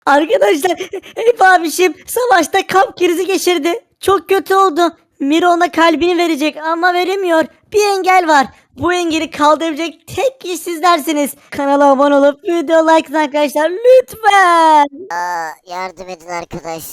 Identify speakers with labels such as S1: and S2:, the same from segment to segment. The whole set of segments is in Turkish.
S1: Arkadaşlar Eyüp abişim savaşta kalp krizi geçirdi. Çok kötü oldu. Miro ona kalbini verecek ama veremiyor. Bir engel var. Bu engeli kaldırabilecek tek kişi sizlersiniz. Kanala abone olup video like atın arkadaşlar lütfen.
S2: Yardım edin arkadaş.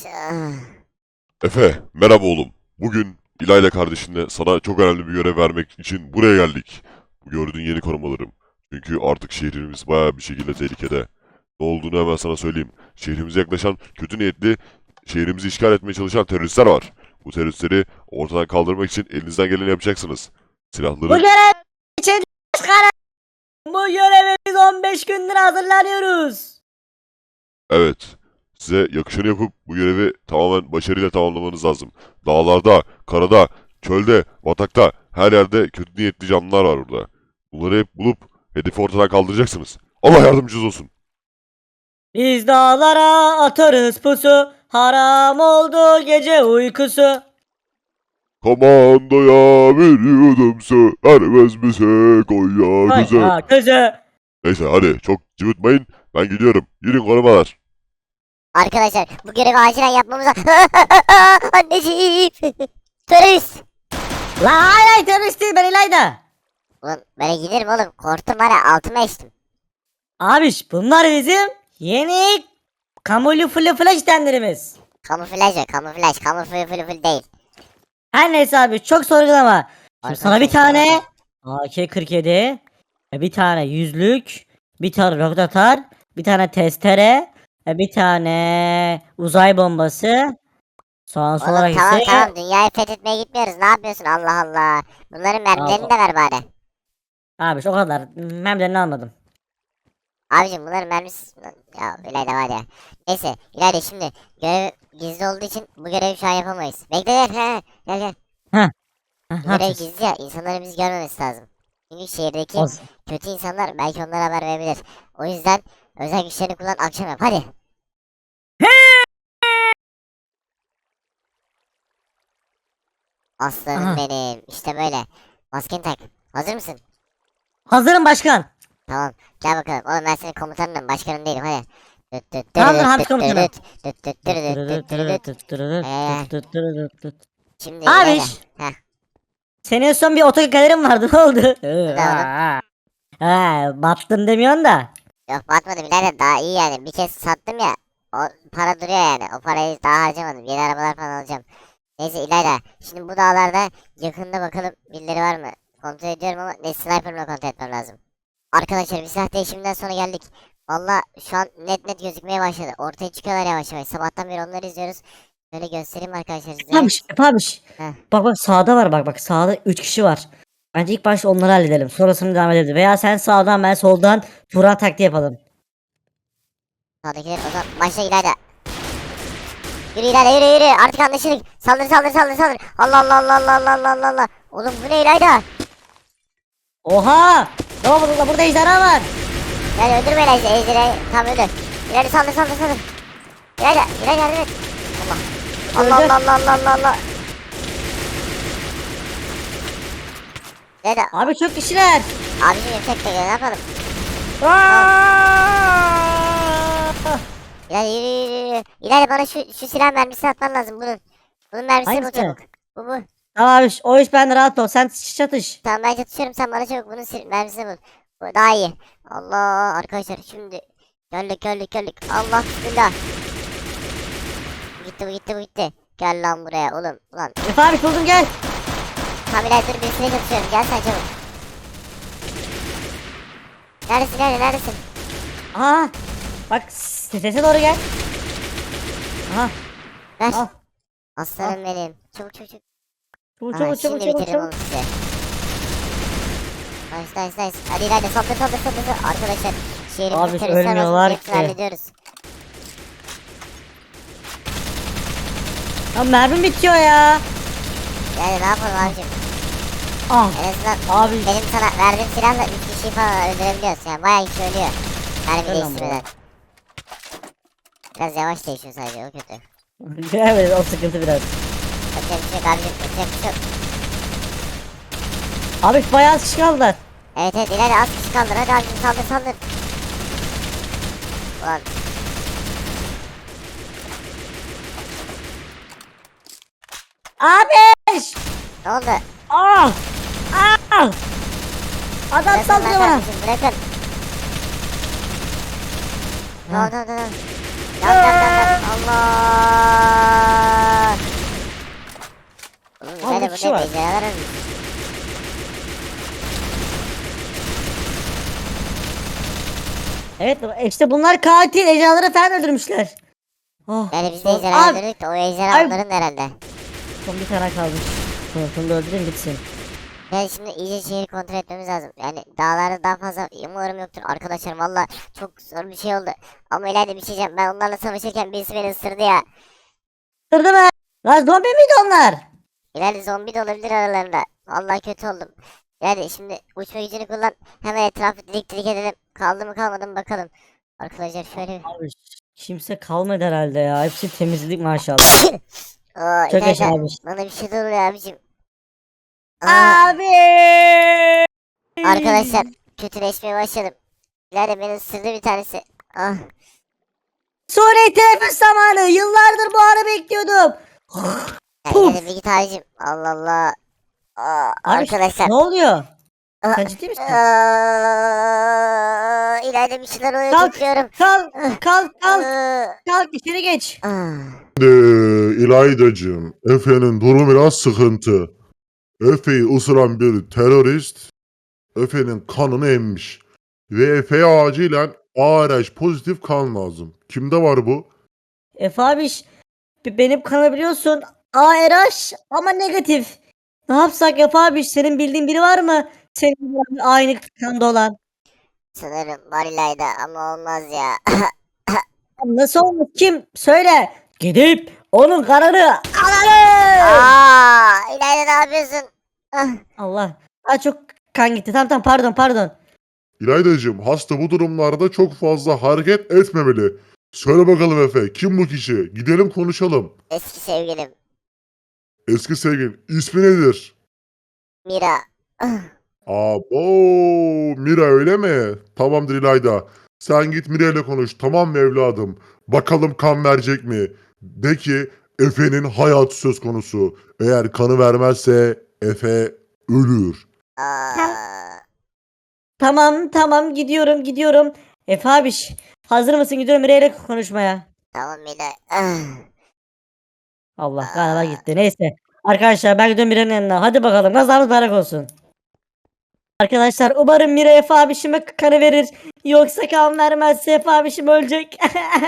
S3: Efe, merhaba oğlum. Bugün İlayla kardeşinle sana çok önemli bir görev vermek için buraya geldik. Bu gördüğün yeni korumalarım. Çünkü artık şehrimiz bayağı bir şekilde tehlikede. Ne olduğunu hemen sana söyleyeyim. Şehrimize yaklaşan, kötü niyetli, şehrimizi işgal etmeye çalışan teröristler var. Bu teröristleri ortadan kaldırmak için elinizden geleni yapacaksınız.
S1: Bu
S3: Silahları...
S1: görev için başkanım. Bu görevi biz 15 gündür hazırlanıyoruz.
S3: Evet. Size yakışanı yapıp bu görevi tamamen başarıyla tamamlamanız lazım. Dağlarda, karada, çölde, batakta, her yerde kötü niyetli canlılar var burada. Bunları hep bulup hedefi ortadan kaldıracaksınız. Allah yardımcınız olsun.
S1: Biz dağlara atarız pusu. Haram oldu gece uykusu.
S3: Komandoya veriyordum vermez bize Konya
S1: Ay
S3: kızı.
S1: ha kızı.
S3: Neyse hadi çok cıvıtmayın. Ben gidiyorum. Yürüyün korumalar.
S2: Arkadaşlar bu görevi acilen yapmamız lazım. Anneciğim. Terörist.
S1: La hayır terörist değil ben İlayda.
S2: Ulan böyle giderim oğlum. Korktum var ya altıma içtim.
S1: Abiş bunlar bizim yeni kamufle flash denlerimiz.
S2: Kamuflaj o kamuflaj. Kamuflaj değil.
S1: Her neyse abi çok sorgulama. Şimdi sana bir
S2: Arkadaşlar,
S1: tane AK-47, bir tane yüzlük, bir tane roket atar, bir tane testere, bir tane uzay bombası. Son
S2: Oğlum
S1: olarak
S2: tamam
S1: ise
S2: tamam dünyayı fethetmeye gitmiyoruz. Ne yapıyorsun Allah Allah. Bunların mermilerini de ver bari.
S1: abiş o kadar. Memlerini almadım.
S2: Abicim bunların mermisi... Ya İlayda var ya. Neyse İlayda şimdi görev gizli olduğu için bu görevi şu an yapamayız. Bekle gel. Gel gel.
S1: Ha,
S2: Bu
S1: ne
S2: görev
S1: yapacağız?
S2: gizli ya. İnsanların bizi görmemesi lazım. Çünkü şehirdeki
S1: Olsun.
S2: kötü insanlar belki onlara haber verebilir. O yüzden özel güçlerini kullan akşam yap. Hadi. Aslanım
S1: Aha.
S2: benim. İşte böyle. Maskeni tak. Hazır mısın?
S1: Hazırım başkan.
S2: Tamam. Gel bakalım. Oğlum ben senin komutanınım. Başkanın değilim. Hadi.
S1: Tamamdır Hamsi komutanım.
S2: Şimdi İlayda.
S1: Abiş.
S2: Heh.
S1: Senin son bir otogalerin vardı ne oldu?
S2: oğlum?
S1: Battın demiyorsun da.
S2: Yok batmadım İlayda. Daha iyi yani. Bir kez sattım ya. O para duruyor yani. O parayı daha harcamadım. Yeni arabalar falan alacağım. Neyse İlayda. Şimdi bu dağlarda yakında bakalım birileri var mı? Kontrol ediyorum ama ne sniper'la kontrol etmem lazım. Arkadaşlar bir silah değişiminden sonra geldik. Valla şu an net gözükmeye başladı. Ortaya çıkıyorlar yavaş yavaş. Sabahtan beri onları izliyoruz. Şöyle göstereyim arkadaşlar size.
S1: Yapamış.
S2: Heh.
S1: Bak sağda var bak sağda 3 kişi var. Bence ilk başta onları halledelim. Sonrasını devam edelim. Veya sen sağdan ben soldan Turan taktiği yapalım.
S2: Sağdakiler o zaman başla İlayda. Yürü İlayda yürü. Artık anlaşıldık. Saldır. Allah Allah Allah Allah Allah Allah Allah Allah. Oğlum bu ne İlayda?
S1: Oha! Ne oldu burada ejderha var.
S2: Yani öldürme İlayda. Ejderhayı tam öldür. İlayda saldır. İlayda yardım et. Allah
S1: Öldü.
S2: Allah. İlayda.
S1: Abi çok kişiler.
S2: Abicim yüksek de ne yapalım?
S1: Aa!
S2: İlayda yürü. İlayda bana şu silah mermisi atman lazım bunun. Bunun mermisi bu
S1: Hangisi?
S2: çabuk. Bu.
S1: Tamam abi o iş bende rahat ol. Sen çatış.
S2: Tamam ben çatışıyorum sen bana çabuk bunun mermisini bul. Bu daha iyi. Allah arkadaşlar şimdi. Geldik. Allah bismillah. Bu gitti. Gel lan buraya oğlum. Ulan.
S1: Efe abi buldum gel.
S2: Tam İlayda dur birisine çatışıyorum. Gel sen çabuk. Neredesin?
S1: Aha. Bak sese doğru gel. Aha.
S2: Ver.
S1: Al.
S2: Aslanım benim. Çabuk.
S1: Çabuk
S2: Aha,
S1: çabuk
S2: şimdi
S1: çabuk
S2: bitiririm
S1: çabuk.
S2: onu size. Nice. Hadi İlayda saldır. Arkadaşlar şehrimizi
S1: Abi,
S2: teröristler
S1: ölmüyorlar
S2: basın.
S1: ki.
S2: Hallediyoruz.
S1: Ya mermim bitiyor ya.
S2: Yani ne yapalım abicim?
S1: Ah.
S2: En azından
S1: Abi.
S2: benim sana verdiğim silahla 3 kişiyi falan öldürebiliyoruz. Yani bayağı kişi ölüyor. Mermi
S1: Öyle ama
S2: değiştirmeden. Biraz yavaş değişiyor sadece o kötü.
S1: Evet o sıkıntı biraz.
S2: Yapacak bir şey yok abicim. Yapacak bir şey yok.
S1: Abi bayağı az kişi kaldılar.
S2: Evet ileride az kişi kaldı. Hadi abicim saldır. Ulan.
S1: Abi!
S2: Ne oldu?
S1: Ah! Ah! Adam
S2: Bırakın lan
S1: saldırıyor bana.
S2: kardeşim, bırakın.
S1: Ha.
S2: Tamam. Yan. Allah. Oğlum
S1: Abi,
S2: İlayda
S1: bir kişi
S2: bu ne
S1: var.
S2: ejderhalar ölmüş.
S1: Evet işte bunlar katil. Ejderhaları falan öldürmüşler. Oh.
S2: Yani biz de
S1: oh,
S2: ejderha
S1: abi,
S2: öldürdük de o ejderha
S1: abi.
S2: onların herhalde.
S1: Son bir tane kalmış. Bunu da öldüreyim bitsin.
S2: Yani şimdi iyice şehri kontrol etmemiz lazım. Yani dağlarda daha fazla umarım yoktur arkadaşlar. Valla çok zor bir şey oldu. Ama İlayda bir şey diyeceğim. Ben onlarla savaşırken birisi beni ısırdı ya.
S1: Kırdı mı? Lan zombi miydi onlar?
S2: İlayda zombi de olabilir aralarında. Vallahi kötü oldum. İlayda şimdi uçma gücünü kullan. Hemen etrafı didik didik edelim. Kaldı mı kalmadı mı bakalım. Arkadaşlar şöyle bir...
S1: Abi kimse kalmadı herhalde ya. Hepsi temizlik maşallah.
S2: Oo,
S1: Çok yaşa
S2: İlayda
S1: abi.
S2: bana bir şey de oluyor abicim. Aa,
S1: Abi!
S2: arkadaşlar kötüleşmeye başladım. İlayda beni ısırdı bir tanesi. Ah.
S1: Suriye teneffüs zamanı. Yıllardır bu ara bekliyordum.
S2: Ya
S1: Puf!
S2: İlayda bir git abicim. Allah Allah. Aa,
S1: Abi
S2: arkadaşlar.
S1: ne oluyor?
S2: Aa,
S1: Sen ciddi misin?
S2: İlayda bir şeyler oluyor
S1: Kalk,
S2: titriyorum.
S1: kalk,
S2: Ah,
S1: kalk, kalk,
S2: ah,
S1: kalk içeri geç.
S2: ah.
S4: İlaydacığım, Efe'nin durumu biraz sıkıntı. Efe'yi ısıran bir terörist, Efe'nin kanını emmiş. Ve Efe'ye acilen ARH pozitif kan lazım. Kimde var bu?
S1: Efe abiş, benim kanabiliyorsun. ARH ama negatif. Ne yapsak Efe abiş? Senin bildiğin biri var mı? Senin aynı kanda olan.
S2: Sanırım var İlayda ama olmaz ya.
S1: Nasıl olmuş? Kim? Söyle. Gidip onun kanını alalım.
S2: İlayda ne yapıyorsun? Ah,
S1: Allah. Aa, çok kan gitti. Tamam pardon.
S4: İlaydacığım, hasta bu durumlarda çok fazla hareket etmemeli. Söyle bakalım Efe, kim bu kişi? Gidelim konuşalım.
S2: eski sevgilim
S4: Eski sevgilin, ismi nedir?
S2: Mira. Ah,
S4: Abo, Mira öyle mi? Tamamdır İlayda. Sen git Mira ile konuş, tamam mı evladım? Bakalım kan verecek mi? De ki Efe'nin hayatı söz konusu. Eğer kanı vermezse Efe ölür.
S2: ah.
S1: Tamam gidiyorum. Efe abiş. Hazır mısın? Gidiyorum Mire'yle konuşmaya.
S2: Tamam Mira. Ah,
S1: Allah galiba gitti. Neyse. Arkadaşlar ben gidiyorum Mira'nın yanına. Hadi bakalım kazamız mübarek olsun. Arkadaşlar umarım Mira Efe abişime kanı verir. Yoksa kan vermezse Efe abişim ölecek.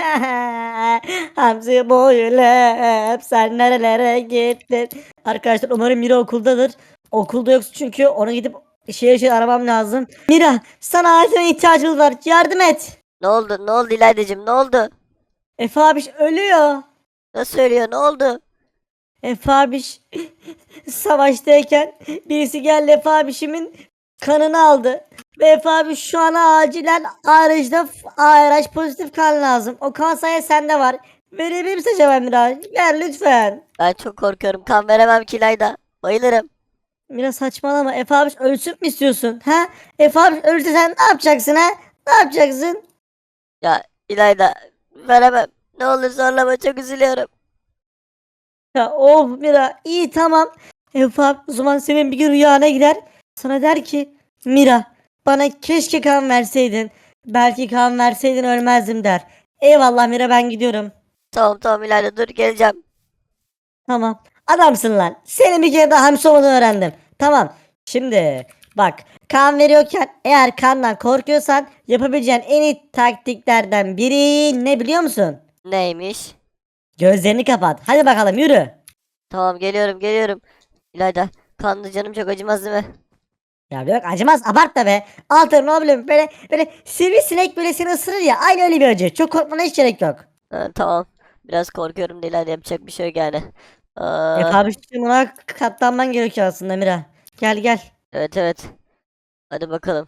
S1: Hamsi boylu sen nerelere gittin. Arkadaşlar umarım Mira okuldadır. Okulda yoksa çünkü ona gidip şehir aramam lazım. Mira sana acil ihtiyacımız var. Yardım et.
S5: Ne oldu? Ne oldu İlaydacığım? Ne oldu?
S1: Efe abiş ölüyor.
S5: Nasıl söylüyor? Ne oldu?
S1: Efe abiş savaştayken birisi geldi Efe abişimin kanını aldı. Ve Efe abi şu an acilen ARH pozitif kan lazım. O kan sayı sende var. Verebilir misin Cevher Miraç? Ver lütfen.
S5: Ben çok korkuyorum. Kan veremem ki İlayda. Bayılırım.
S1: Mira saçmalama. Efe abi ölsün mü istiyorsun? Ha? Efe abi ölürse sen ne yapacaksın ha? Ne yapacaksın?
S5: Ya İlayda veremem. Ne olur zorlama, çok üzülüyorum.
S1: Ya of Mira iyi tamam. Efe abi o zaman senin bir gün rüyana gider. Sana der ki Mira bana keşke kan verseydin. Belki kan verseydin ölmezdim der. Eyvallah Mira ben gidiyorum.
S5: Tamam İlayda, dur geleceğim.
S1: Tamam. Adamsın lan. Senin bir kere daha hamsi olmadığını öğrendim. Tamam. Şimdi bak kan veriyorken eğer kandan korkuyorsan yapabileceğin en iyi taktiklerden biri ne biliyor musun?
S5: Neymiş?
S1: Gözlerini kapat. Hadi bakalım yürü.
S5: Tamam, geliyorum. İlayda, kanlı canım çok acımaz değil mi?
S1: Ya yok acımaz abartma be. Altın ne bileyim böyle sivrisinek böyle seni ısırır ya aynı öyle bir acı. Çok korkmana hiç gerek yok.
S5: Ha, tamam. Biraz korkuyorum da İlayda, yapacak bir şey yok yani.
S1: Efe
S5: Aa,
S1: abi şimdi buna katlanman gerekiyor aslında Mira. Gel.
S5: evet. Hadi bakalım.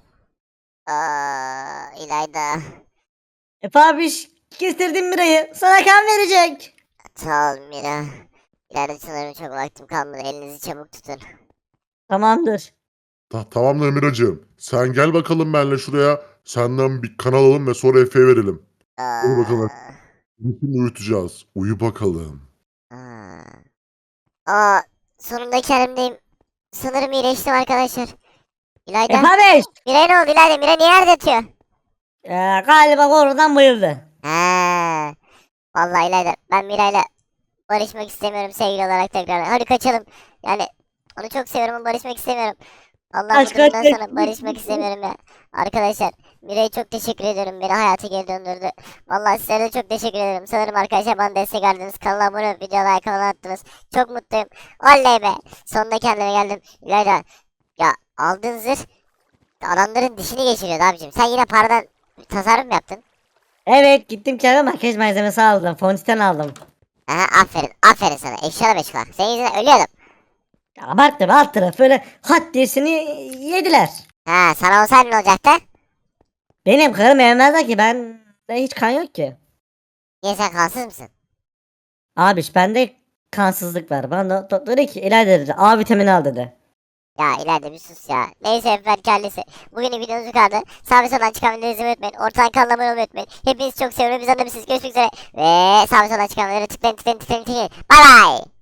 S2: İlayda.
S1: Efe abi kestirdim Mira'yı. Sana kan verecek.
S2: Sağ ol Mira. İlayda sanırım çok vaktim kalmadı. Elinizi çabuk tutun.
S1: Tamamdır.
S4: Tamamdır Miracığım. Sen gel bakalım benimle şuraya. Senden bir kan alalım ve sonra Efe'ye verelim. Hadi bakalım.
S2: Aa,
S4: Bütün uyutacağız. Uyu bakalım.
S2: aa. Aa, Sonunda kendimdeyim. Sanırım iyileştim arkadaşlar. İlayda.
S1: Efe abiş.
S2: Miray ne oldu İlayda? Miray niye yerde yatıyor?
S1: Galiba oradan bayıldı.
S2: Ha. Vallahi İlayda ben Miray'la barışmak istemiyorum sevgili olarak tekrar. Hadi kaçalım. Yani onu çok seviyorum ama barışmak istemiyorum. Allah
S1: Aşk
S2: bu durumdan
S1: aşk.
S2: sonra barışmak istemiyorum ya. Arkadaşlar Miray'a çok teşekkür ediyorum. Beni hayata geri döndürdü. Vallahi sizlere de çok teşekkür ederim. Sanırım arkadaşlar bana destek verdiniz. Kanala abone olup videoya like falan attınız. Çok mutluyum. Oley be. Sonunda kendime geldim. İlayda ya aldığın zırh adamların dişini geçiriyordu abicim. Sen yine paradan tasarruf mu yaptın?
S1: Evet gittim kendime makyaj malzemesi aldım. Fondöten aldım.
S2: Aha aferin. Aferin sana. Eşyalı beşikler. Senin yüzünden ölüyordum.
S1: Abarttım alt tarafı böyle hat diyesini yediler.
S2: Ha sana olsaydı ne olacaktı?
S1: Benim karım evlenmezler ki ben de hiç kan yok ki.
S2: Niye sen kansız mısın?
S1: Abiş bende kansızlık var. Bana doktor dedi ki ilaç dedi. A vitamini al dedi.
S2: Ya ileride bir sus ya. Neyse efendim kendisi. Bugünün videomuz bu kadar. Sağ ve soldan çıkan videoları izlemeyi unutmayın. Ortadan kanala abone olmayı unutmayın. Hepinizi çok seviyorum. Biz anlamışsınız. Görüşmek üzere. Ve sağ ve soldan çıkan videoları tıklayın tıklayın tıklayın tıklayın. Bye bye.